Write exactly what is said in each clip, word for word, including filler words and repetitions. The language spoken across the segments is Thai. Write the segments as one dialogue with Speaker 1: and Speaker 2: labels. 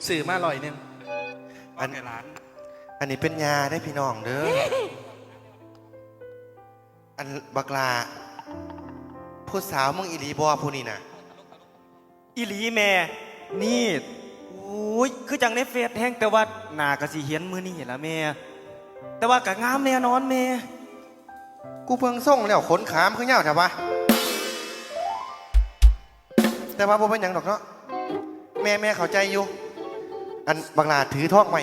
Speaker 1: สื่อมาลอยหนึ่ง
Speaker 2: อันอันนี้เป็นยาได้พี่น้องเด้ออันบักลาผู้สาวมึงอีหลีบอผู้นี่นะ
Speaker 3: อีหลีแม่นี่โอ้ยคือจังในเฟซแห้งแต่ว่าหน้ากะสิเห็นมือนี่ละแม่แต่ว่ากะงามแน่นอนแม่
Speaker 2: กูเพิ่งส่งแล้วขนขามคือเงาใช่ปะแต่ว่าบ่เป็นหยังดอกเนาะแม่แม่เข้าใจอยู่อันบักลาถือทองไว้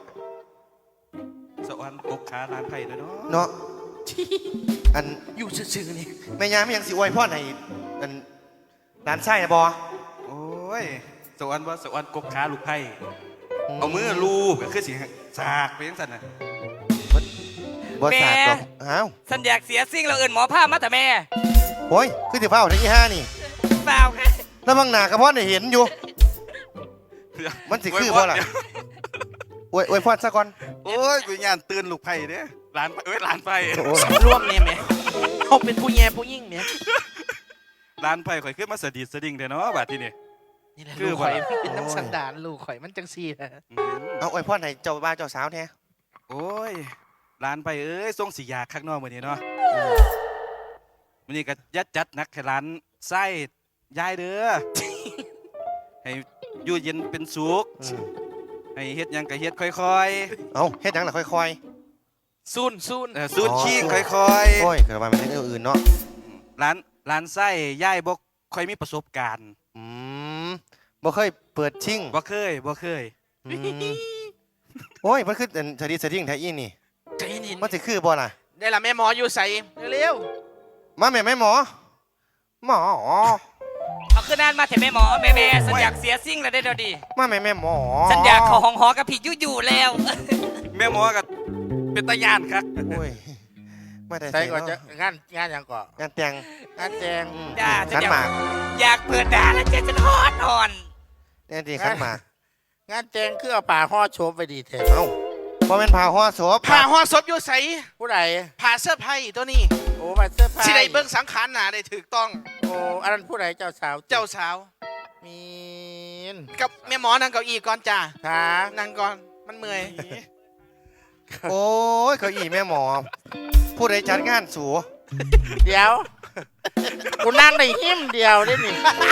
Speaker 4: สวรรค์กบขาลานไผ่ด้วยเนาะ
Speaker 2: เนาะอัน
Speaker 1: อยู่ซื่อๆนี่
Speaker 2: แม่ยาไม่ยังสิอวยพ่อให้อันร้านไส้นะบอ
Speaker 4: โอ้ยสวรรค์ว่าสวรรค์กบขาลูกไผ่เอามือลูบก็คือสิสากไปยังสั่นน่ะ
Speaker 2: บอสาดหรอกอ้าว
Speaker 5: สัญญาเสียสิ่งเราเอินหมอผ้ามาแต่แม่
Speaker 2: โอ้ยคือสิเฝ้าทั้งยี่ห้านี่
Speaker 5: เปล่าไง
Speaker 2: แล้วบางหนากระเพาะเนี่ยเห็นอยู่มันสิคือเพราะอะไรอวยอวยพอดซะก่อน
Speaker 4: โอ้ยกูย่านตื่นลูกไผ่เด้ร้านเอ้ยร้านไผ่
Speaker 1: ร่วมเนี่ยแม่เขาเป็นผู้แย่ผู้ยิ่งเนี่ย
Speaker 4: ร้านไผ่ข่อยขึ้นมาสะดิดสะดิ่งเด้เนาะบาดที่นี่
Speaker 1: นี่แหละลูกข่อยเป็นน้ำสันดานลูกข่อยมันจังซี่นะ
Speaker 2: เอาอวยพอดให้เจ้าบ้าเจ้าสาวแท้
Speaker 4: โอ้ยร้านไผ่เอ้ยส่งสียาข้างนอกมื้อนี้เนาะมื้อนี้ก็ยัดจัดนักให้ร้านไส้ยายเด้อให้อยู่เย็นเป็นสุขให้เฮ็ดยังก็เฮ็ดค่อย
Speaker 2: ๆเอาเฮ็ดยังล่ะค่อย
Speaker 1: ๆซูนซูน
Speaker 4: เออซูนขี้ค่อย
Speaker 2: ๆโอ้ยเกิดมาเป็นเรื่องอื่นเนาะ
Speaker 4: ร้านร้านไส้ย่ายบ่ค่อยมีประสบการณ์
Speaker 2: อืมบ่เคยเปิดชิ่ง
Speaker 4: บ่เคยบ่เคย
Speaker 2: โอ้ยมันคือสถิติสถิติแท้อีนี่มันสิคือบ่ล่ะ
Speaker 1: ได้ละแม่หมออยู่ใส่เร็ว
Speaker 2: ๆมาแม่แม่หมอหมอ
Speaker 5: เอาขึ้นนั่นมาเถอะแม่หมอแม่แม่สัญญาเสียสิ่งแล้วได้เดี๋ยวดี
Speaker 2: มาแม่แม่หมอ
Speaker 5: สัญญาเขาห้องหอกับพี่ยู่อยู่แล้ว
Speaker 4: แม่หมอกับเป็นตาย่านครับ
Speaker 2: โอ้ยไม่ได้
Speaker 1: ใส่ก่อนจะงานงานยังก่อน
Speaker 2: งานแต่ง
Speaker 1: งานแต่ง
Speaker 5: จ้า
Speaker 2: ขันหมาก
Speaker 5: อยากเปิดด่าแล้วเจ๊จะทอดอ่อน
Speaker 2: นี่ดีขันหมาก
Speaker 1: งานแต่งคือเอาป่าห่อโชบไปดีแท้
Speaker 2: เอ้าพอเป็นผ่าห่อศพ
Speaker 1: ผ่าห่อศพอยู่ใส่ผู้ใดผ่าเสื้อไผ่ตัวนี้โอ้ผ่าเสื้อไผ่สิได้เบิ้งสังขารหนาได้ถูกต้องโอ้อันนั้นผู้ใดเจ้าสาวเจ้าสาวมีนกับแม่หมอนั่งเก้าอี้ก่อนจ้าค่ะนั่งก่อนมันเมื่อย
Speaker 2: โอ้ยเก้าอี้แม่หมอผู้ใดจัดงานสู
Speaker 1: เดี๋ยวกูนั่งในหิ้มเดียวได้หนิ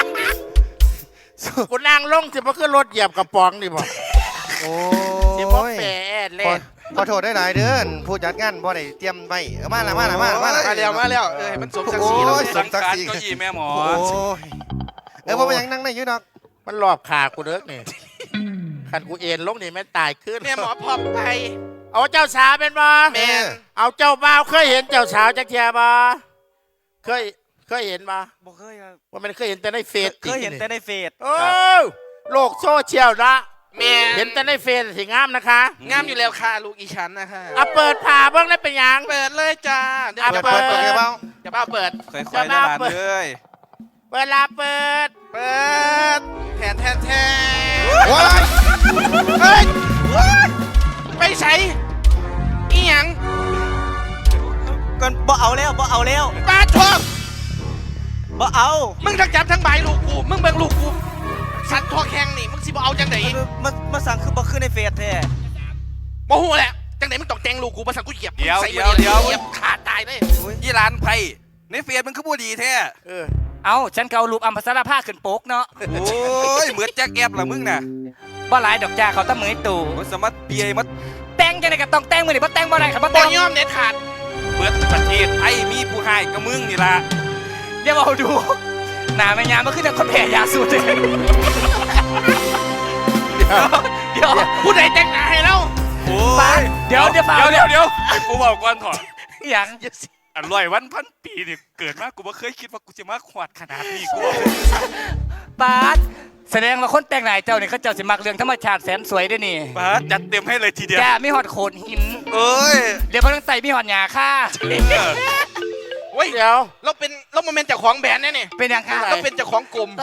Speaker 1: กูนั่งลงสิบ่คือรถเหยียบกระป๋องดิบ่
Speaker 2: โอ้
Speaker 1: ยสิบ่แปดเล่น
Speaker 2: ขอโทษได้หลายเดือนผู้จัดงานบ่ได้เตรียมไว้มาละมาละมาละมาละ
Speaker 1: มาแล้วมาแล้วเออมันสมศักดิ์ศรีแล้ว
Speaker 4: สังกัดเก้าอี้แม่หมอ
Speaker 2: เออบ่เป็นยังนั่งได้อยู่ดอก
Speaker 1: มันหลอบขากูเด้อนี่คันกูเอ็นลงนี่แม่ตายขึ้นแม่หมอพร้อมไปเอาเจ้าสาวเป็นบ่แม่เอาเจ้าบ่าวเคยเห็นเจ้าสาวจักเทียบ่เคยเคยเห็นบ่
Speaker 3: บ่เคยครับ
Speaker 1: ว่ามันเคยเห็นแต่ในเฟซ
Speaker 3: เคยเห็นแต่ในเฟซ
Speaker 1: โอ้โลกโซเชียลละแม่เห็นแต่ในเฟซสิงามนะคะงามอยู่แล้วค่ะลูกอีฉันนะคะอ่ะเปิดผ่าบ้างได้เป็นยังเปิดเลยจ้า
Speaker 2: เดี๋ยวเปิดเปิดเบา
Speaker 1: จะบ้าเปิด
Speaker 4: ค่อยๆได้บ้านเลย
Speaker 1: เปิดลาเปิดเปิดแทนแทนแทนเฮ้ยไปใส่อีหยัง
Speaker 3: ก่อนบ่เอาแล้วบ่เอาแล้ว
Speaker 1: ปาทอง
Speaker 3: บ่เอา
Speaker 1: มึงทั้งจับทั้งใบลูกกูมึงเบิ่งลูกกูสัตว์ทอแข็งนี่มึงสิบ่เอาจังไหน
Speaker 3: มามาสั่งคือบ่ขึ้นในเฟซแท้
Speaker 1: บ่ฮู้แหละจังไหนมึงต้องแต่งลูกกูมาสั่งกูเหยียบ
Speaker 4: เดี๋ยวเดี๋ยวเดี๋ยว
Speaker 1: เหยียบขาดตายเลย
Speaker 4: ยี่ร้านไผ่ในเฟซมันคือบ่ดีแท้
Speaker 1: เออ
Speaker 5: เอาฉันเกาลูกอัมพสารภาขึ้นโป๊กเนาะ
Speaker 4: โอ้ยเหมือนแจ็คแอบล่ะมึงน่ะ
Speaker 5: บ่หลายดอกจ้าเขาตะเหมยตู่
Speaker 4: มันสมัติเปียมัด
Speaker 5: แต่งจังได๋ก็ต้องแต่งมื้อนี้บ่แต่งบ่ได้ครับบ่แต่ง
Speaker 1: ยอมเด็ดขาด
Speaker 4: เปิดประเทศไอ้มีผู้ให้กับมึงนี่ล่ะ
Speaker 5: เดี๋ยวเอาดูหน้าแม่ยามมันคือจังคนแพ้ยาสูบเดี๋ยว
Speaker 1: ผู้ใดแต่งหน้าให้เรา
Speaker 4: โอ้ย
Speaker 5: เดี๋ยวเดี๋ยว
Speaker 4: เดี๋ยวเดี๋ยวกูบอกก่อนถอด
Speaker 5: อย่าง
Speaker 4: อร่อยวันพันปีนี่เกิดมากูไม่เคยคิดว่ากูจะมาขวดขนาดนี้กู
Speaker 5: ปาดแสดงว่าคนแต่งหน้าเจ้านี่เขาเจ้าสิมักเรื่องธรรมชาติแสนสวยด้วยนี่
Speaker 4: ปาดจัดเต็มให้เลยทีเดียว
Speaker 5: จ้ามีหอดโขดหิน
Speaker 4: เอ้ย
Speaker 5: เดี๋ยวเขาต้องใส่มีหอดหญ้าค่ะ
Speaker 1: เว้ยเดี๋ยวเราเป็นเราโมเมนต์เจ้าของแบรนด์เนี่ยนี่
Speaker 5: เป็นยังค่ะ
Speaker 1: เราเป็นเจ้าของกลุ่ม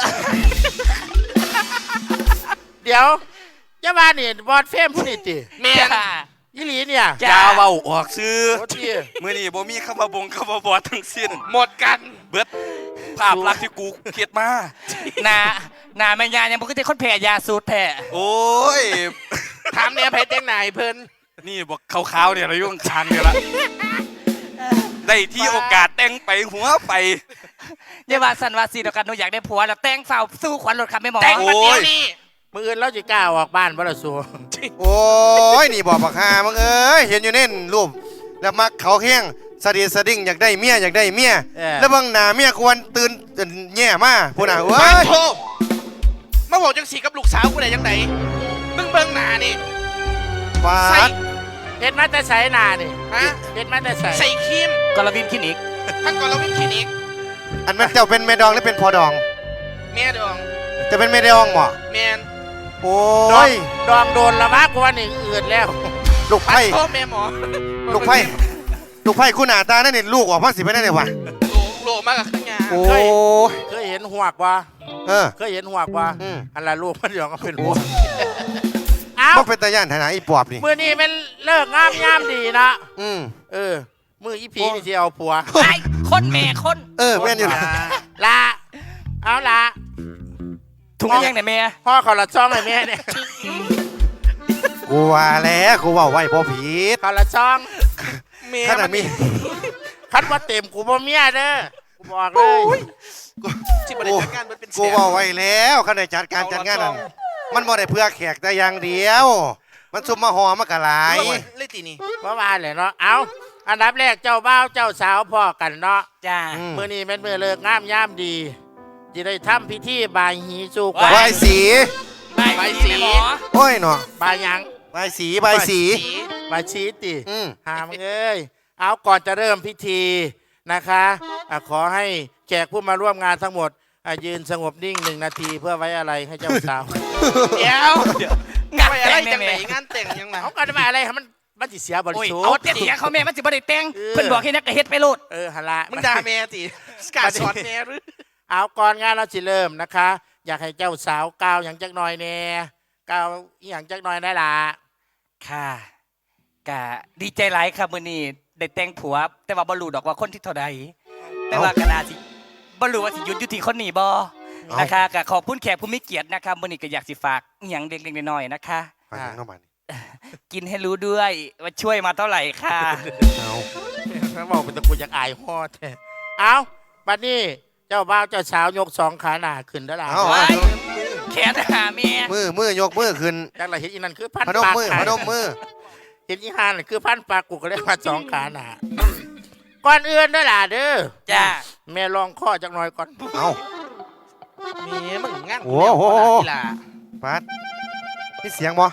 Speaker 1: เดี๋ยวเจ้าบ้านนี่บอดเฟมผู้นี่ติ
Speaker 5: เมีย
Speaker 1: ยี่หลีเนี่ย
Speaker 4: จ้าเว้าออกซื้อเมื่อนี่บ่มีคำว่าบงคำว่าบอดทั้งสิ้น
Speaker 1: หมดกัน
Speaker 4: เบิดภาพลักษณ์ที่กูเกลียดมา
Speaker 5: หน้าหน้าแม่ยายังบ่คือแต่คนแพ้ยาสูตรแท้
Speaker 4: โอ้ย
Speaker 1: ถามเนี่ยไผแต่งหน้าให้เพิ่น
Speaker 4: นี่บอกขาวๆเนี่ยเรายุ่งคางเนี่ยละได้ที่โอกาสแต่งไปหัวไป
Speaker 5: อย่าว่าสันว่าสิเดียวกันหนูอยากได้ผัวแล้วแต่งเฝ้าสู้ขวัญรถครับแม่หมอ
Speaker 1: แต่งมาเดี๋ยว
Speaker 4: โอ้ย
Speaker 1: นี้
Speaker 2: มืออื่นเราจะกล้าออกบ้านบ่ล่ะสัวโอ้ยนี่บอกบักฮามึงเอ้ยเห็นอยู่เน่นรูปแล้วมักเขาแห้งสะดีสะดิ่งอยากได้เมียอยากได้เมียแล้วบางหน้าเมียควรตื่นแย่มาพูดน่ะเว้
Speaker 1: บ้าน
Speaker 2: ย
Speaker 1: โทมาบอกจังสีกับลูกสาวกูได้ยังไงมึงเบิ่งหน้านี่
Speaker 2: ฟา
Speaker 1: ใส่
Speaker 2: ด
Speaker 6: เฮ็ดมาแต่ใส่หน้านี่
Speaker 1: ฮะ
Speaker 6: เฮ็ดมาแต่ใส่
Speaker 1: ใส่ครีม
Speaker 5: กรวินคลินิก
Speaker 1: ทั้งก่อนเราวิ่งคลินิก
Speaker 2: อันนั้นเจ้าเป็นแม่ดองหรือเป็นพอดอง
Speaker 1: แม่ดอง
Speaker 2: จะเป็นแม่ดองบ่
Speaker 1: แมน
Speaker 2: โอ้
Speaker 6: ดอง
Speaker 2: ย
Speaker 6: ดองโดนละมากกว่านี่อืดแล้ว
Speaker 2: ลูก
Speaker 1: ปัด
Speaker 2: ไผ่
Speaker 1: โทษแม่หมอ
Speaker 2: ลูกไผ่ลูกไผ่คุณหน้าตานั่นนี่ลูกออกมาสิไปได้เลยวะ
Speaker 1: โลโลมากกับข้างยา
Speaker 2: โอ้ย
Speaker 6: เคยเห็นหวกว่า
Speaker 2: เออ
Speaker 6: เคยเห็นหวกว่า
Speaker 2: อืม
Speaker 6: อันละลูกมันยองก็เป็นหวกเอ้า
Speaker 2: บ่เป็นตาย่านฐานะอีปอบนี่
Speaker 6: มื้อนี้เป็นเลิกงามยามดีนะ
Speaker 2: อืม
Speaker 6: เออมื้ออีพีนี่สิเอาผัว
Speaker 5: ไอ้คนแม่คน
Speaker 2: เออแม่นอยู่นะ
Speaker 6: ละเอาละ
Speaker 5: ถุงยังไหนแม่
Speaker 6: พ่อเขาละช่องให้แม่เนี่ย
Speaker 2: กูว่าแล้วกูว่าไว้พอผิด
Speaker 6: เขาละช่อง
Speaker 1: แม่
Speaker 2: ขนาดมี
Speaker 6: คันว่าเต็มกูบ่เมียเด้อกูบอกเลย
Speaker 1: ที่บริการงานมันเป็นแส
Speaker 2: กู
Speaker 1: น
Speaker 2: ว่าไว้แล้วขณะจัดการจัดงานนั่นมันบ่ได้เพื่อแขกแต่อย่างเดียว มันซุ่มมาหอมากะหลาย
Speaker 1: เลยตีนี่
Speaker 6: บ่ว่าเลยเนาะเอาอันดับแรกเจ้าบ่าวเจ้าสาวพ่อกันเนาะ
Speaker 5: จ้า
Speaker 2: อืม
Speaker 6: มื้อนี้เป็นมื้อเลิกงามยามดีจะได้ทำพิธีบายหีสู่ขวัญ
Speaker 2: ใบายสี
Speaker 5: ใบสีแม่หมอ
Speaker 2: โอ้ยเนาะ
Speaker 6: บายหยัง
Speaker 2: ใบายสีใบายสี
Speaker 6: บายชีติ
Speaker 2: อืม
Speaker 6: หามเอ้ยเอาก่อนจะเริ่มพิธีนะคะอ่ะขอให้แขกผู้มาร่วมงานทั้งหมดอ่ะยืนสงบนิ่งหนึ่งนาทีเพื่อไว้อะไรให้เจ้าสาว
Speaker 1: เดี๋ยว
Speaker 5: งาน
Speaker 1: ไป
Speaker 5: แต่
Speaker 1: อะไร
Speaker 5: ง
Speaker 1: จังไหน
Speaker 5: แม่
Speaker 1: งานแต่งยังไง
Speaker 6: เอากันมาอะไรให้มันมันสิเสียบริ
Speaker 5: โอ้ย
Speaker 6: สุ
Speaker 5: เอา
Speaker 6: ทธิ์
Speaker 5: แต่เสียเขาแม่มันสิบ่ได้แต่ง
Speaker 6: เออ
Speaker 5: เพิ่นบอกให้นักกระเฮ็ดไปโลด
Speaker 6: เออฮะละ
Speaker 1: มึงด่าแม่ตีสกัดสอนแม่หรือ
Speaker 6: เอาก่อนงานเราสิเริ่มนะคะ อยากให้เจ้าสาวกล่าวอย่างจักหน่อยแน่กล่าวอหย่างจักหน่อยได้ละ
Speaker 5: ค่ะกะดีใจหลายครับมื้อนี้ได้แต่งผัว แต่ว่าบ่รู้ดอกว่าคนที่เท่าใดแต่ว่าก็น่าสิบ่รู้ว่าสิหยุดอยู่ที่คนนี้บ่นะคะก็ขอบคุณแขกผู้มีเกียรตินะครับมื้อนี้ก็อยากสิฝากอหยังเล็กๆน้อยๆนะคะ
Speaker 2: ไปทางเข้ามานี่
Speaker 5: กินให้รู้ด้วยว่าช่วยมาเท่าไหร่ค่ะ
Speaker 2: เอา
Speaker 6: เขาบอกเป็นตะกูอยากอายฮอดแท้เอาบัดนี้เจ้าบ่าวเจ้าสาวยกสองขาหน้าขึ้นได้ละ
Speaker 2: เอา
Speaker 5: ไว้
Speaker 2: เอา
Speaker 5: แขนหาเมีย
Speaker 2: มือมือยกมือขึ้น
Speaker 6: จักละเห็นอีนั่นคือพัน
Speaker 2: พนม
Speaker 6: ปาก
Speaker 2: มือ
Speaker 6: ขา
Speaker 2: พนมมือ
Speaker 6: เห็นอีหานนคือพันปากกูก็เรียกว่าสองขาหน้าก่อนอื่นได้อล่ะเด้อ
Speaker 5: จ้า
Speaker 6: แม่ลองข้อจักหน่อยก่อน
Speaker 2: เอา
Speaker 1: แม่มึงงาน
Speaker 2: โอ้โห
Speaker 1: กีฬา
Speaker 2: ปัดนี่เสียงบ่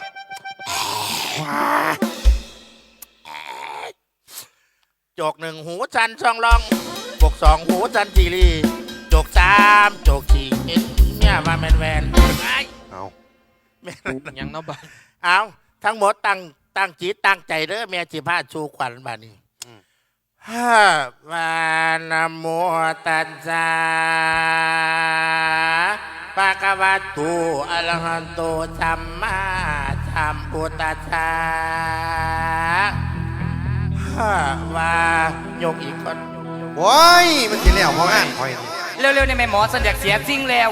Speaker 6: โจกหนึ่งหูจันทร์ช่องลองบกสองหูจันทร์จีรีโจกสามโจกสี่เห็นเนี่ยมาแมนแวนไอ้
Speaker 2: เอา
Speaker 6: แม่น
Speaker 1: ยังเนาะบ้าน
Speaker 6: เอาทั้งหมดตั้งตั้งจิตตั้งใจเด้อแม่จิพาชูขวัญบาดนี้ฮ่าวานะโมตัสสะปะคะวะโตอะระหะโตสัมมาสัมพุทธัสสะฮ่าวายกอีกคน
Speaker 2: โอ้ยมันสิแล้วพองานคอยนี่
Speaker 5: เร็วๆในแม่หมอสันอยากเสียจริงแล้ว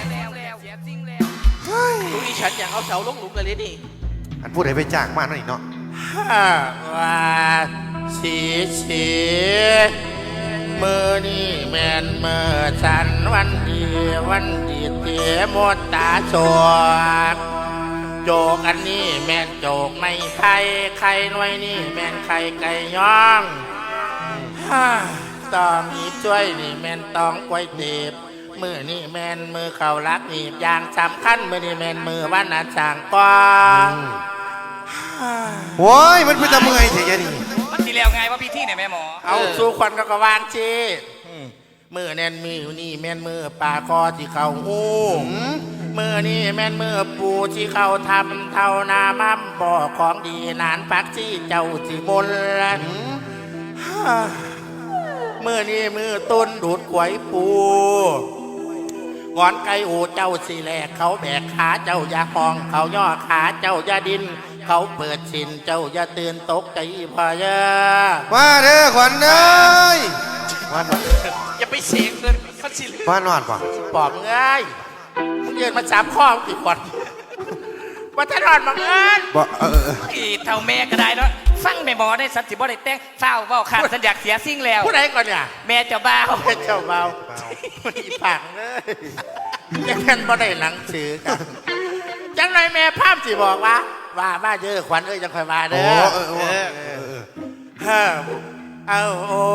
Speaker 1: ลูกอีฉันอยากเอาเสาลงหลุมเลยดิ
Speaker 2: อันพูดให้ไปจ้างมาหน่อยเนาะ
Speaker 6: ฮ่าวาสีสีมือนี่แมนมือสันวันดีวันดีเตียมดตาโจกโจกอันนี้แมนโจกไม่ไข่ไข่หน่วยนี่แมนไข่ไก่ย่องฮ่าตองหนีบช่วยนี่แมนตองกล้วยเตีบมือนี่แมนมือเข่ารักหนีบอย่างสำคัญมือนี่แมนมือวันนันสางกอง
Speaker 2: โอ้ยมันเป็นตะเมื่อยเฉยๆนี่
Speaker 5: มันสิแล้วไงว่าพี่ที่เนี่ยแม่หมอ
Speaker 6: เอาสู้ควันก็กวางชีมือแน่นมือนี่แม่นมือปลาคอที่เขาหูมือนี่แม่นมือปูที่เขาทำเท่านามั่มบ่อของดีนานพักที่เจ้าสิมนมือนี่มือต้นดูดกวยปูงอนไก่อูเจ้าสีแหลกเขาแบกขาเจ้าอย่าห้องเขาย่อขาเจ้าอย่าดิน เขาเปิดสินเจ้าอย่าตื่นตกใจพะยา
Speaker 2: มาเด้อขวัญเอ้ยมานอน
Speaker 1: อย่าไปเสียงเลยพัดสิลื
Speaker 2: มานอนป่ะ
Speaker 6: ปอบเอ้ยมึงยืนมาสามข้อกี่คนว่าถ้านอนบังเอิญ
Speaker 2: บ่เออเออ
Speaker 5: อีเท่าแม่ก็ได้เนาะฟังแม่หมอได้สันติบ่ได้แต่งเฝ้าเว้าขาดสัญญาเสียสิ่งแล้ว
Speaker 6: ผู้ใดก่อนเนี่ย
Speaker 5: แม่เจ้าบ่าว
Speaker 6: เป็นเจ้าเบาอีผังเลยยังกันบ่ได้หนังสือกันจังไรแม่ภาพสิบอกว่าว่าบ้าเยอะขวัญเอ้ยจังคอยมาเด้
Speaker 2: โอ้
Speaker 6: อ
Speaker 2: เออเออเออเออ
Speaker 6: เฮ้อเอาโอ้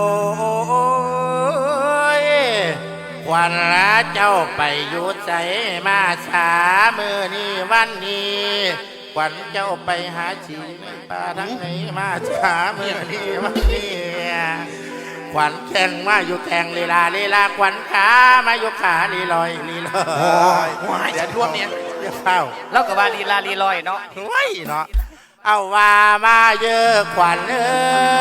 Speaker 6: ยขวัญละเจ้าไปอยู่ใจมาสามือนี้วันนี้ขวัญเจ้าไปหาชีในป่าทั้งไหนมาสามือนี้วันนี้ขวัญแข่งมาอยู่แข่งลีลาลีลาขวัญขามาอยู่ขาลีลอยลีลอยเดี๋ยวท่วมเนี่ยเดี๋ยวเข้า
Speaker 5: เราก็ว่าลีลาลีลอยเนาะ
Speaker 6: เฮ้ยเนาะเอาว่ามาเยอะขวัญเอ้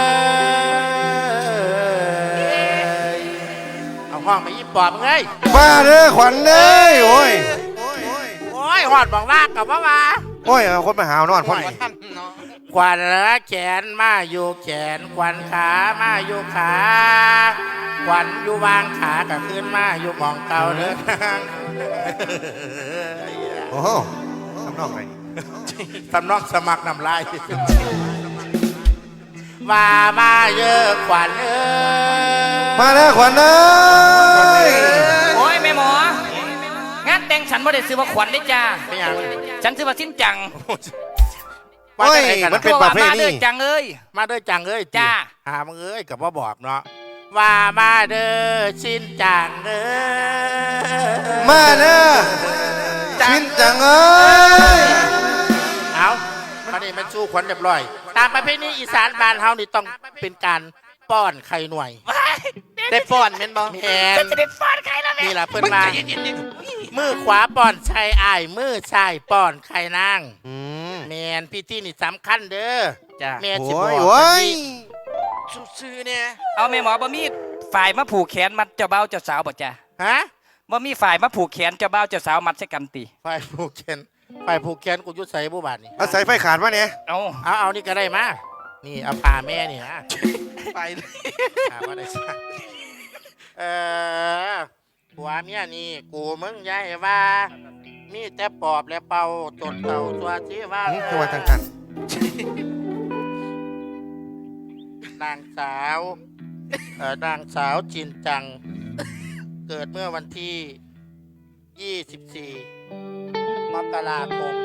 Speaker 6: ยเอาห้องไปยิบปอบเอ้ย
Speaker 2: มาเด้อขวัญเลยโอ้ย
Speaker 6: โอ้ยหอดบอกว่ากับว่าว่า
Speaker 2: โอ้ยเอาคนมาหาวนอนพ่อนี่
Speaker 6: ขวัญละแขนมาอยู่แขนขวัญขามาอยู่ขาขวัญอยู่วางขากับขึ้นมาอยู่หมองเก่าเด้อ
Speaker 2: โอ้โหทำนองไง
Speaker 6: สำนอกสมัครนำลายว่ามาเยอะขวัญเอ้ย
Speaker 2: มาเด้อขวัญเลย
Speaker 5: โอ้ยแม่หมองานแต่งฉันบ่ได้ซื้อว่าขวัญได้จ้า
Speaker 6: ไม่ยัง
Speaker 5: ฉันซื้อว่าสิ้นจัง
Speaker 6: มา
Speaker 2: โอ้ย
Speaker 6: ได้ไงกัน
Speaker 2: มัน
Speaker 6: นะ
Speaker 2: เป็นประเพ
Speaker 5: มา
Speaker 2: ณี
Speaker 5: เด้อจังเอ้ย
Speaker 6: มาเด้อจังเอ้ย
Speaker 5: จ้า
Speaker 6: หามึงเอ้ยกับว่าบอกเนาะว่ามาเด้อชินจังเอ้ย
Speaker 2: มาเด้อชินจังเอ้ย
Speaker 6: เอามานี่มันสู้ขวัญเรียบร้อย ตามประเพณีอีสานบ้านเฮานี่ต้องเป็นการป้อนไข่หน่วย ได้ป้อนเม่นบ่แม่น
Speaker 5: ฉันจะได้ฟาดใครแล้วแม่
Speaker 6: นี่ล่ะเพิ่นมามือขวาป้อนชายอ้ายมือซ้ายป้อนไข่นาง
Speaker 2: อืม
Speaker 6: แม่นพิธีนี่สำคัญเด้อ
Speaker 5: จ้า
Speaker 6: แม่สิ
Speaker 2: โอ้
Speaker 6: บอย ก
Speaker 2: โอ้ย
Speaker 6: ซื่อๆเนี่ย
Speaker 5: เอาแม่หมอบ่มีฝ่ายมาผูกแขนมัดเจ้าบ่าวเจ้าสาวบ่จ้า
Speaker 6: ฮะ
Speaker 5: บ่มีฝ่ายมาผูกแขนเจ้าบ่าวเจ้าสาวมัดใส่กันติ
Speaker 6: ไฟผูกแขนไฟผูกแขนกูอยุดใส่บุบาทนี่
Speaker 2: เอาสายไฟขาดมาเนี่ย
Speaker 5: เอา
Speaker 6: เอาเอานี่ก็ได้มานี่เอาผ่าแม่นี่นะ
Speaker 1: ไปเลย
Speaker 6: ผ่าว่าได้ซะเออผัวเมียนี่กูมึงย้ายว่า มีแต่ปอบและเป่าจนเต่าตัวที่ว่า
Speaker 2: อืมจังหวัดต่าง
Speaker 6: นางสาวเออนางสาวจินจัง เกิดเมื่อวันที่ ยี่สิบสี่ มกราคม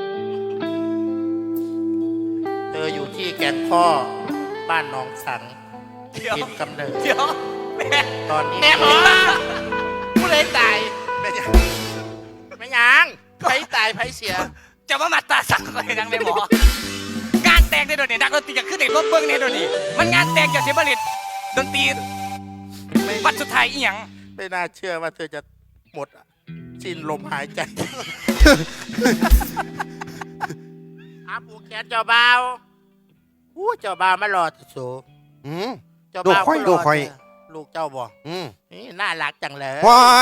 Speaker 6: เธออยู่ที่แก่นข้อบ้านหนองสังถิ่นกำเนิด
Speaker 5: เดี๋ยวแม่
Speaker 6: ตอนนี้
Speaker 1: แม่หมอผู้ใดตายแม่ยัง
Speaker 6: ไม่ยัง
Speaker 1: ไผตายไผเสีย
Speaker 5: จะมามัดตาสั่งเลยนังแม่หมองานแต่งได้โดนนี่นักดนตรีจะขึ้นในรถเบิ้งเนี่ยโดนนี่มันงานแต่งจากเสียบริตดนตรีวันสุดท้ายอีหยัง
Speaker 6: ไม่น่าเชื่อว่าเธอจะหมดสิ้นลมหายใจอาปูแขนเจ้าบ่าวอู้เจ้าบ่าวมารอที่สู
Speaker 2: ๆอืม
Speaker 6: เจ้าบ่าว
Speaker 2: ลูกข่อย
Speaker 6: ก็ร
Speaker 2: ลูกข่อย
Speaker 6: เธลูกเจ้าบ่
Speaker 2: อืม
Speaker 6: นี่น่ารักจังเลย
Speaker 2: ว้าย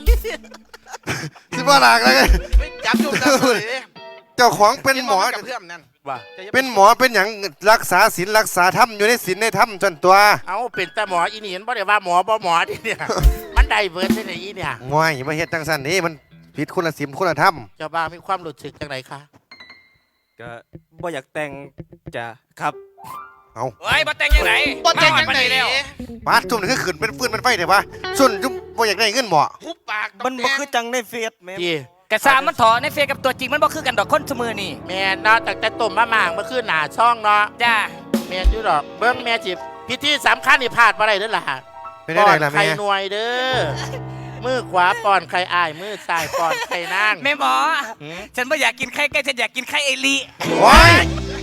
Speaker 2: สิบ่หลักเลย
Speaker 1: ไม่จับจุ่มจับเลย
Speaker 2: เจ้าของเป็นหมอ
Speaker 1: กับเพื่อนนั่น
Speaker 6: ว่า
Speaker 2: เป็นหมอเป็นอย่างรักษาศีลรักษาธรรมอยู่ในศีลในธรรมจนตัว
Speaker 6: เอาเป็นแต่หมออีนี่เห็นบ่ได้ว่าหมอบ่หมอที่เนี่ย มันได้เบิร์ดที่ไหนอีเนี่ย
Speaker 2: ง่ายมาเฮ็ดจังสันนี่มันผิดคุณศีลคุณธรรม
Speaker 6: เจ้าบ่าวมีความรู้สึกจังไรคะ
Speaker 3: ก็บ่อยากแต่งจ้ะครับ
Speaker 2: เอา
Speaker 5: เฮ้ยมาแต่งยังไง
Speaker 1: บ่แต่ง
Speaker 5: มา
Speaker 1: ยัง
Speaker 5: ฮอด
Speaker 1: ไง
Speaker 5: ปานนี้แล้ว
Speaker 2: ปาดจุ่มนี่คือขืนเป็นฟืนเป็นไฟเดี๋ยววะส่วนจุ่มบ่อยากได้เงินหมอ
Speaker 1: หุบปาก
Speaker 3: มันบ่คือจังในเฟซแม่
Speaker 6: ที่
Speaker 5: กระซามันถอในเฟซกับตัวจริงมันบ่คือกันดอกคนสมือนี่
Speaker 6: แม่เนาะตั้งแต่ต้มมะม่างเมื่อคืนหนาช่องเนาะ
Speaker 5: จ้า
Speaker 6: แม่นอยู่ดอกเบิ้งแม่จิบพิธีสำคัญนี่พลาดมาได้เด้อล่ะ
Speaker 2: เป็นได้ไหนล่ะ
Speaker 6: ไข่
Speaker 2: แม่
Speaker 6: หน่วยเด้อมือขวาป้อนไข่อ้ายมือซ้ายป้อนไข่นาง
Speaker 5: แม่หมอ
Speaker 6: หืม
Speaker 5: ฉันไม่อยากกินไข่ไก่ฉันอยากกินไข่เอลี
Speaker 2: ว้าย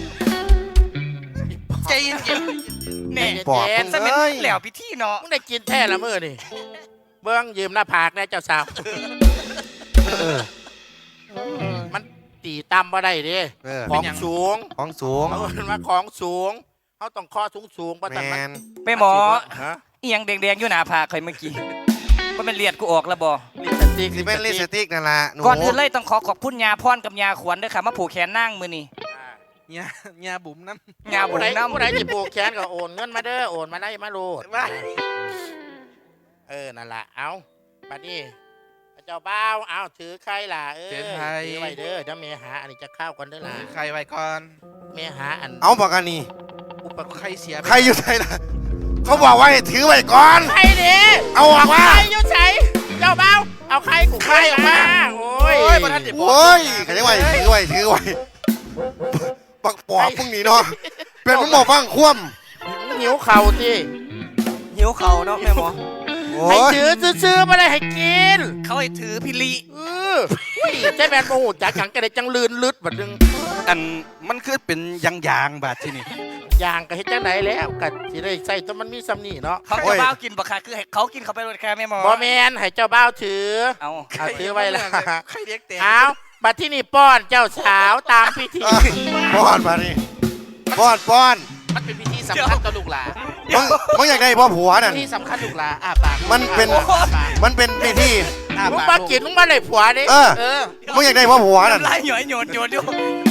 Speaker 1: ใจเย็น
Speaker 5: เนี่ย
Speaker 2: ปอบ
Speaker 6: เย็น
Speaker 5: สมัย
Speaker 2: เอ้ย
Speaker 5: แล้วพิธีเนาะ
Speaker 6: มึงได้กินแท้ละมือนี่เบิ้งยืมหน้าผากแน่เจ้าสาว
Speaker 2: เออ
Speaker 6: มันตีตำมาได้เด้
Speaker 2: เออ
Speaker 6: ของสูง
Speaker 2: ของสูง
Speaker 6: เขาเอิ้นว่าของสูงเขาต้องข้อสูงสูงๆเพราะ
Speaker 2: แม
Speaker 6: แต่มัน
Speaker 2: น
Speaker 5: แม่หมอ
Speaker 6: ฮะ
Speaker 5: เอียงแดงๆอยู่หน้าผากใครเมื่อกี้ว่ามันเลียดกูออกแล้วบ่
Speaker 6: ลิปสติก
Speaker 2: สิเป็นลิปสติกนั่นล่ะหนู
Speaker 5: ก่อนอื่นเลยต้องขอขอบคุณยาพรกับยาขวัญด้วยค่ะมาผูกแขนนั่งมือนี่
Speaker 1: ๆเนี่ยเนี่ยบุ๋มน้ำ
Speaker 5: ยาบุ
Speaker 6: ผู้
Speaker 5: ญ
Speaker 6: ใด
Speaker 5: น้ำ
Speaker 6: ผู้ใดจะปลูกแขนก็โอนเงินมาเด้อโอนมาได้มาโลด
Speaker 1: ว่า
Speaker 6: เออนั่นล่ะเอาบัดนี้เจ้าบ่าวเอาถือใครล่ะเออ
Speaker 1: เสียไทย
Speaker 6: ถือไว้เด้อเดี๋ยวเมหาอันนี้จะเข้ากันเด้อล่ะ
Speaker 1: ใครไว้ก่อน
Speaker 6: เมหาอัน
Speaker 2: เอาปากกันนี่
Speaker 1: อุปกรณ์ใครเสียไป
Speaker 2: ใครอยู่ไหนล่ะเขาบอกว่าให้ถือไว้ก่อน
Speaker 6: ใครดิ
Speaker 2: เอาออกมา
Speaker 6: ใครอยู่ใส่เจ้าบ่าวเอาใครกูใครออกมาโอ้ย
Speaker 1: โอ้ยบ่ทันได้บอก
Speaker 2: โอ้ยใครจะไว้ถือไว้ถือไว้ปักปอบพวกนี้เนาะเป็นมันบอกฟังคว่
Speaker 6: หิวเข่าที่
Speaker 3: หิวเขาเนาะแม่หมอ
Speaker 2: ำโอ้
Speaker 6: ให้
Speaker 2: ย
Speaker 6: ถือซื้อๆมาเลยให้กิน
Speaker 5: เขาให้ถือพิลี
Speaker 6: เอออุ้ยเจ๊แมนโมโหจากขังกันเลยจังลืนลึดบัดนึง
Speaker 4: อันมันคือเป็นยางยางๆบาดที่นี่
Speaker 6: ยางก็เฮ็ดจังไหนแล้วกัสิได้ใส่ตัวมันมีซ้ำนี่เนาะ
Speaker 5: เขาจะบ้าวกินบ่ค่ะคือให้เขากินเขาไปรถแค่แม่หมอ
Speaker 6: บ่แมนให้เจ้าบ่าวถือ
Speaker 5: เอา
Speaker 6: เอาถือไว้ละ
Speaker 1: ใครเรียกเตะ
Speaker 6: เอาบัดที่นี่ป้อนเจ้าสาวตามพิธี
Speaker 2: อ่ะป้อนมาดิป้อนป้อน
Speaker 1: มันเป็นพิธีสำคัญกับลูกหลาน
Speaker 2: มึงมึงอยากได้พ่อผัวนั่น
Speaker 1: พิธีสำคัญลูกหลานอ่าปาก
Speaker 2: มันเป็น
Speaker 1: อ้าปาก
Speaker 2: มันเป็นพิธี
Speaker 1: อ้า
Speaker 6: มึง
Speaker 1: ปาก
Speaker 6: มากินมึงมาเลยผัวดิ
Speaker 2: เออ
Speaker 1: เออ
Speaker 2: มึงอยากได้พ่อผัวนั่น
Speaker 5: ไล่หน่อยโยนโยนอยู่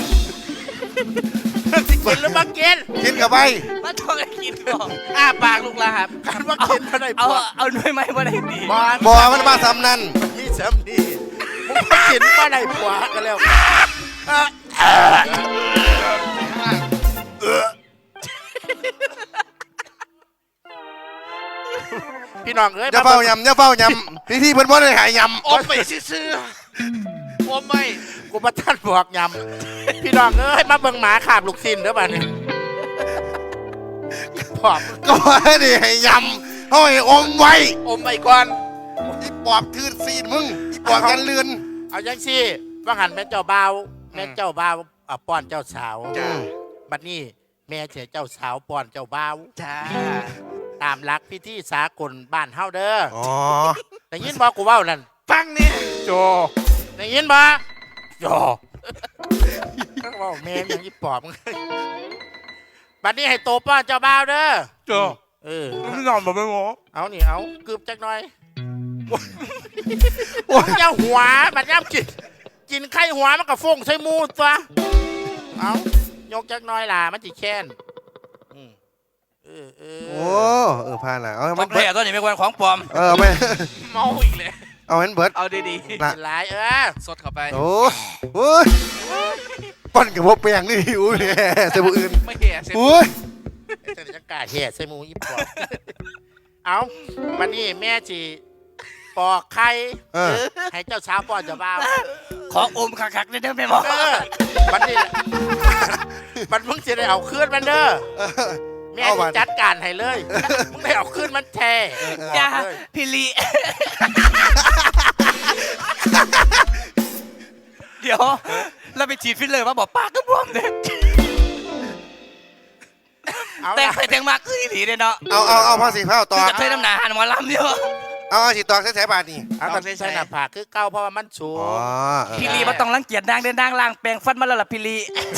Speaker 6: สิกินหรือมากิน
Speaker 2: กินกับไป
Speaker 5: มาต้องให้กินก่อน
Speaker 1: อ้าปากลูกหลานครับ
Speaker 6: การว่ากินมาเลย
Speaker 5: เอา
Speaker 6: ผัว
Speaker 5: เอาหน่วยไม้มาได้ดี
Speaker 6: บอล
Speaker 2: บอมันมาซ้ำนั่น
Speaker 6: มีซ้ำนี่มึงมากินมาเลยผัวกันแล้วเออพี่น้องเอ้ย
Speaker 2: อย่าเฝ้ายำอย่าเฝ้ายำพิธีเพิ่นบ่ได้หายย
Speaker 1: อมไปซื่อๆอมไป
Speaker 6: กูมาท่านบอกยำพี่น้องเอ้ยมาเบิ่งหมาขาบลูกซินเด้อบ้านนี้ปอบ
Speaker 2: ำก็บ่ได้ให้ยำเขาให้อมไว้
Speaker 1: อมไปก่อน
Speaker 2: อีปอบทืนซีนมึงอีปอบกันเลือน
Speaker 6: เอาจังซี่ว่าหันแม่เจ้าบ่าวแม่เจ้าบ่าวอ่ะป้อนเจ้าสาว
Speaker 1: จ้า
Speaker 6: บัดนี้แม่เสียเจ้าสาวป้อนเจ้าบ่าว
Speaker 1: จ้า
Speaker 6: ตามหลักพิธีสากลบ้านเฮาเด้อ
Speaker 2: อ๋อ
Speaker 6: ได้ยินบ่กูเว้านั่น
Speaker 1: ฟังนี่
Speaker 6: โจได้ยินบ่โจเว้าแม่งอย่างนี้ปอบมึงบัดนี้ให้โตป้อนเจ้าบ่าวเด้อ
Speaker 1: โจ
Speaker 6: เออ
Speaker 1: พี่น้องบอกไม่หมอ
Speaker 6: เอานี่เอากึบจักหน่อยโอ้ยอย่าหัวบัดย่ำกินกินไข่หัวมันก็ฟงใส่หมูตัวเอายกจักหน่อยล่ะมันสิแค้นอืมเออเออ
Speaker 2: โอ้เออพาละเอาให้
Speaker 5: มั
Speaker 2: มัน น
Speaker 5: แผล
Speaker 2: เบิด
Speaker 5: ตัวนี้ไม่ควรของปลอม
Speaker 2: เออเอาไป
Speaker 1: เมาอีกเลย
Speaker 2: เอาให้มันเบิด
Speaker 1: เอาดี
Speaker 2: น่ะ
Speaker 6: กินหลายเออ
Speaker 1: ๆสดเข้าไป
Speaker 2: โอ้โอ้ยปั้นกับพวกแปลงนี่อุ้ยเสียบุอื่น
Speaker 1: ไม่เหี้ยเสร็จ
Speaker 2: อุ้ย
Speaker 6: จะจะกล้าแห่ใส่หมูอีปอบเอาวันนี้แม่จีปอกไข่
Speaker 2: เออ
Speaker 6: ให้เจ้าสาวป้อนเจ้าบ่าว
Speaker 5: ของอมคักๆเลยเด้อแม่หมอ
Speaker 6: เออวันนี้มันมึงจะได้เอาคืนมันเด้อ
Speaker 2: เออ
Speaker 6: แม่
Speaker 2: เอา
Speaker 6: จะ
Speaker 2: บัด
Speaker 6: จัดการให้เลยมึงได้เอาคืนมันแท้
Speaker 5: จ้า
Speaker 6: บอกเลย
Speaker 5: พิลีเดี๋ยวเราไปฉีดฟิลเลอร์มาบอกปากก็บวมเลย
Speaker 6: เอา
Speaker 5: แต่ง
Speaker 6: ละ
Speaker 5: ไปแต่งมาคืออีหลีเลยเนาะ
Speaker 2: เอาเอาเอาผ้าสีผ้าต
Speaker 5: คือ อก กระเทยน้ำหนาหันหมอลำเดียว
Speaker 2: เอาเอาสีตอกใส่ๆบาทนี่
Speaker 6: เอาแต่ใส่หน้าผากคือเก้าเพราะว่ามันสู
Speaker 2: อ๋
Speaker 6: ง
Speaker 2: อเออ
Speaker 5: พิลีมาต้องรังเกียจนางเดินนางล่างแปลงฟันมาแล้วล่ะพิลี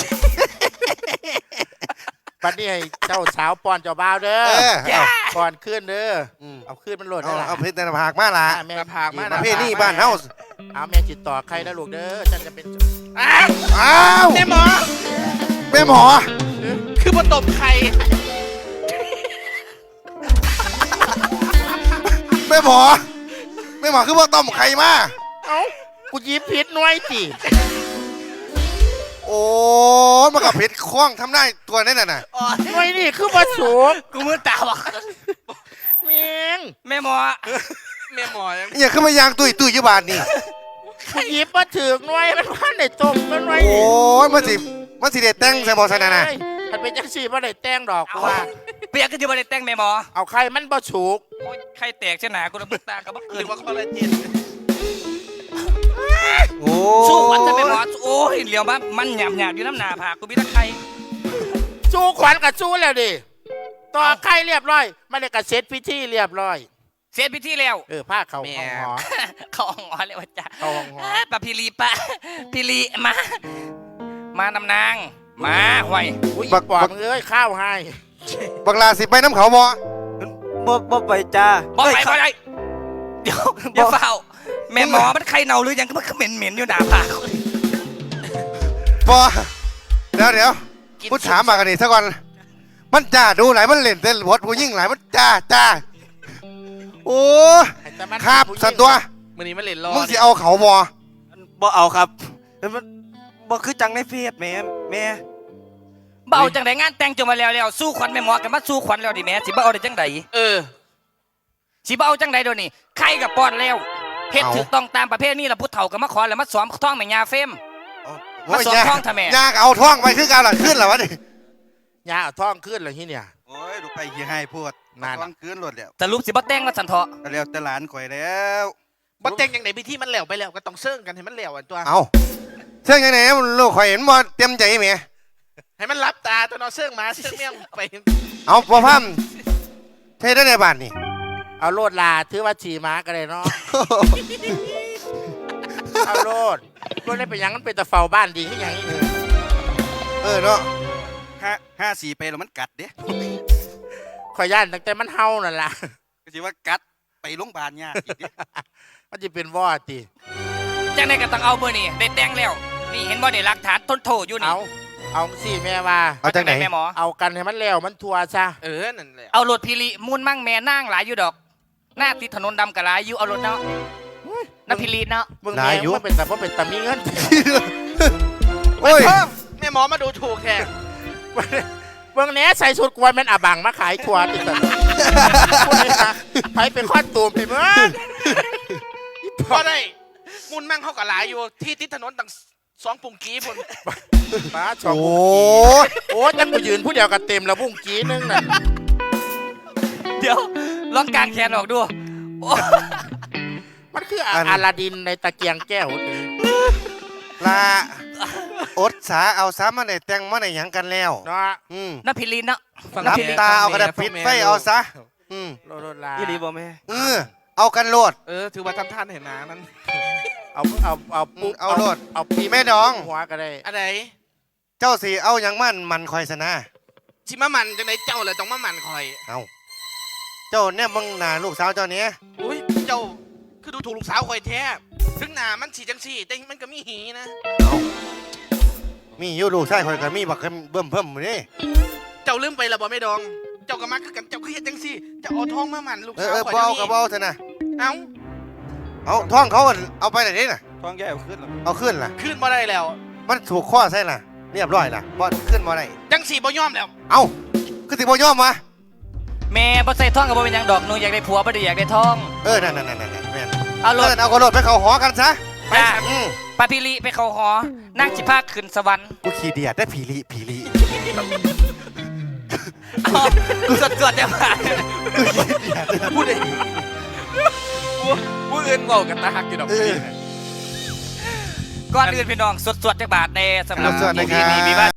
Speaker 6: วันนี้ให้เจ้าสาวป้อนเจ้าบ่าวเด้อ
Speaker 2: เออเอา
Speaker 6: ป้อนคืนเด้อ
Speaker 2: อืม
Speaker 6: เอาคืนมันโหลด
Speaker 2: เอา
Speaker 6: ได้ละ
Speaker 2: เอาเพชรในผากมาละ
Speaker 6: อ่ะแม่
Speaker 1: ผากมา
Speaker 2: ประเภทนี้บ้านเฮา
Speaker 6: เอาแม่จิตต่อใครนะลูกเด้อฉันจะเป็น
Speaker 1: อ้าว
Speaker 2: อ้าว
Speaker 1: แม่หมอ
Speaker 2: แม่หมอ
Speaker 1: คือมาตบไข่
Speaker 2: แม่หมอแม่หมอคือว่าต้มไข่มา
Speaker 6: เอ้ากูหยิบผิดหน่วยสิ
Speaker 2: โอ้มันกับเพชรคล้องทำได้ตัวนั่นน่ะน่ะ
Speaker 6: หน่วยนี่คือบ่สูง
Speaker 5: กูมือตาบอก
Speaker 6: เมียง
Speaker 5: แม่หมอ
Speaker 1: แม่หมอยัง
Speaker 2: อย่าขึ้นมายางตุยตุยยี่บาทนี่
Speaker 6: กูหยิบมาถึงหน่วยมันว่าได้ต้มมันหน่วย
Speaker 2: โอ้ยมันสิมันสิเด็ดแต่งใส่บอสนาน่ะ
Speaker 6: เอ้ยมันเป็นจังซี่บ่ได้แต่งดอกกูว่า
Speaker 5: เปียกก็จะมาได้แต่งแม่หมอ
Speaker 6: เอาใครมันบ่สูง
Speaker 5: โอ้ยใครแตกเช่นหนากูระมือตากับบัก
Speaker 1: ห
Speaker 5: เกิ
Speaker 1: รื
Speaker 5: น
Speaker 1: อว่าคอลลาเจน
Speaker 2: โอ้
Speaker 5: สู้ขวัญจะแม่หมอโอ้ยเหลียวมามันหยาบหยาบๆอยู่น้ำหนาผากกูมีตะไคร้
Speaker 6: สู้ขวัญกับสู้แล้วดิต่อใครเรียบร้อยไม่ได้กระเซ็ตพิธีเรียบร้อย
Speaker 5: เสียพิธีแล้ว
Speaker 6: เออผ้าเขาห้องหอ
Speaker 5: เขาอ่องเลยว่าจ้า
Speaker 6: เข้าห้องหอ
Speaker 5: ปะพิลีปะพิลีมา มานำนาง มาห่วย
Speaker 6: อุ้ยอีปอบมึงเอ้ยข้าวให้
Speaker 2: บักลาสิไปน้ำเขาบ่
Speaker 3: บ่บ่ไปจ้า
Speaker 5: บอกไป
Speaker 3: เอ้ย
Speaker 5: บอกไปเดี๋ยวเดี๋ยวเฝ้า แม่หมอมันใครเนาหรือยังก็มันเหม็นเหม็นๆอยู่หนาผาก
Speaker 2: บ่เดี๋ยวเดี๋ยวพูดถามมากันนี่ซะก่อนมันจ้าดูหลายมันเล่นเต้นบทผู้ยิ่งหลายมันจ้าจ้าโอ้
Speaker 6: ให้แต่มัน
Speaker 2: ครับ
Speaker 6: ผู้หญิง
Speaker 2: สันตัว
Speaker 1: มื้อนี้มันเล่นรอ
Speaker 2: มึงสิเอาเขาบ่
Speaker 3: บ่เอาครับเอ้ยมันบ่คือจังในเฟซแม่แม่
Speaker 5: เบเอาจังไดงานแต่งจงมาแล้วแล้วสู้ขวัญแม่หมอกันมาสู้ขวัญแล้วดิแม่สิบ่เอาได้จังได
Speaker 1: เออ
Speaker 5: สิบ่เอาจังไดเดี๋ยวนี้ใครกับป้อนแล้วเฮ็ดถูกต้องตามประเพณีแล้วผู้เฒ่าก็มาขอแล้วมาสอมท้องแม่ยาเฟม มาสอนท่องทำไม
Speaker 2: ยากเอาท่องไปคือการหลังขึ้นเหรอวะนี่
Speaker 6: ยาเอาท้องขึ้นเลยที่เนี่ย
Speaker 4: โอ้ยลูกไปขี้ให้พูด
Speaker 6: นั่น
Speaker 4: ต้องคืนรถแล้ว
Speaker 5: สรุปสิบ่แต่งว่าสันเถาะ
Speaker 4: ก็แล้วแต่หลานข่อยแล้ว
Speaker 1: บ่แต่งอย่างไหนพิธีมันแล้วไปแล้วก็ต้องเซิ่งกันให้มันแล้วอันตัว
Speaker 2: เอาเชื่อยังไงลูกข่อยเห็นบ่เต็มใจไหม
Speaker 1: ให้มันรับตาตัวเนอเซิ่งหมาเซิ่งเมี่ยงไป
Speaker 2: เอาพอพัมเทได้ในบ้านนี่
Speaker 6: เอาโลดลาถือว่าฉี่ม้าก็ได้เนาะ เอาโลดโลดได้เป็นหยังมันเป็นตะเฝ้าบ้านดีขึ้นยังนี้
Speaker 2: เออเนาะ
Speaker 4: ห้าห้าสี่ไปแล้วมันกัดเด้
Speaker 6: ขอยย่านตั้งแต่มันเฮานั่นล่ะ
Speaker 4: ก็สิว่ากัดไปโรงพยาบาลยากอีกเด้
Speaker 6: มันจะเป็นวอดติ
Speaker 5: จังไดก็ต้องเอาเบอร์นี่ได้แต่งแล้วนี่เห็นบ่ได้หลักฐานทนโทษอยู่นี่
Speaker 6: เอาเอาสิแม่ว่า
Speaker 2: เอาจากไหน
Speaker 5: แม่หมอ
Speaker 6: เอากันให้มันแล้วมันทัวซะ
Speaker 1: เออนั่นแหละ
Speaker 5: เอารถพิริมูลมั่งแม่นางหลายอยู่ดอก หน้าติดถนนดำกะหลายอยู่เอารถเนาะน้ำพิริเนาะ
Speaker 6: มึงแม่งมันเป็นแต่ว่าเป็นแต่มีเงิน
Speaker 2: โอ้ย
Speaker 1: เพิ่มแม่หมอมาดูถูกแทน
Speaker 6: เบิ่งแหน่ใส่ชุดกวนแมันอาบังมาขายทัวร์ติดสันพูดเลยนะไปเป็นข้อตูมไปเมื่อ
Speaker 1: พอได้มุนมั่งเขากับหลายอยู่ที่ติดถนนตั้งสองปุ่งกี้พุ่น
Speaker 6: ป้าชอบ
Speaker 2: โอ้
Speaker 6: บุ้งกี้โอ้ยจังกูยืนผู้เดียวกันเต็มแล้วบุ้งกี้นึงน่ะ
Speaker 5: เดี๋ยวลองกางแขนออกดูโอ้
Speaker 6: มันคืออะอาลาดินในตะเกียงแก้วนี่
Speaker 2: ลาอดสาเอาสามาในแต่งมาในหยังกันแล้ว
Speaker 6: เนาะ
Speaker 2: อืม
Speaker 5: น้ำพิริเนาะ
Speaker 2: รับตาเอากระดาษปิดไฟเอาซะอืม
Speaker 6: โลดโลดลา
Speaker 3: อีหลีบ่แม่
Speaker 2: เออเอากันโลด
Speaker 1: เออถือว่าทำท่านเห็นหนานั้น
Speaker 6: เอาเอาเอาปุ๊บ
Speaker 2: เอาโลด
Speaker 6: เอาปี
Speaker 2: แม่ดอง
Speaker 6: หัวก็ได้
Speaker 1: อะไร
Speaker 2: เจ้าสีเอาหยังมั่นมันคอยสนะ
Speaker 1: ชิมามันจังไหนเจ้าเลยต้องมามันคอย
Speaker 2: เอาเจ้าเนี่ยมึงหนาลูกสาวเจ้าเนี้ย
Speaker 1: อุ้ยเจ้าคือดูถูกลูกสาวคอยแท้ถึงหนามันสีจังสีแต่มันก็มีหีนะ
Speaker 2: มีอยู่ลูกชายคอยกับมีบักเบิ่มเพิ่มนี่
Speaker 1: เจ้าลืมไปและบ่ไม่ดอง เจ้าก็มาคือกันเจ้าคือเฮ็ดจังซี่เจ้าเอาทองมามันลูก
Speaker 2: เออ
Speaker 1: สาว
Speaker 2: เออ
Speaker 1: คอย
Speaker 2: เบา
Speaker 1: เดี๋ยว
Speaker 2: กับ
Speaker 1: นี้
Speaker 2: เบาเถอะนะ
Speaker 1: เอ้า
Speaker 2: เอาท่องเขาเอาไปไหนนี่น่ะ
Speaker 4: ท้องแย่เอาขึ้นแล้ว
Speaker 2: เอาขึ้นล่ะ
Speaker 1: ขึ้นมาได้แล้ว
Speaker 2: มันถูกข้อใช่ล่ะเรียบร้อยล่ะบ่ขึ้นมาได้
Speaker 1: จังสีบ่ยอมแล้ว
Speaker 2: เอาคือสิบ่ยอมมา
Speaker 5: แม่บ่ใส่ท่องกับบ่เป็นหยังดอกหนูอยากได้ผัวบ่ได้อยากได้ท่อง
Speaker 2: เออนั่นนั่นนั่นนั่นแม่น
Speaker 5: เอาร
Speaker 2: เอ
Speaker 5: ถ
Speaker 2: อเอากระโดดไปเขาหอกันซะ
Speaker 5: จ้า
Speaker 2: อืม
Speaker 5: ปาพิริไปเขาหอนั่งจิพาขึ้นสวรรค์
Speaker 2: กูขี่เดียดได้ผีลีผีลี
Speaker 5: เอาสดสดๆเดี๋ยวมา
Speaker 2: กูขี่เดียดได้
Speaker 1: พูดได้ผู้อื่นเว้ากันตาหักอยู่ดอก
Speaker 2: เออ
Speaker 5: ก่อนอื่นพี่น้องสดสดๆจักบาทในสำหรับ
Speaker 2: สดๆนะครับ
Speaker 5: ที่มีวิวาท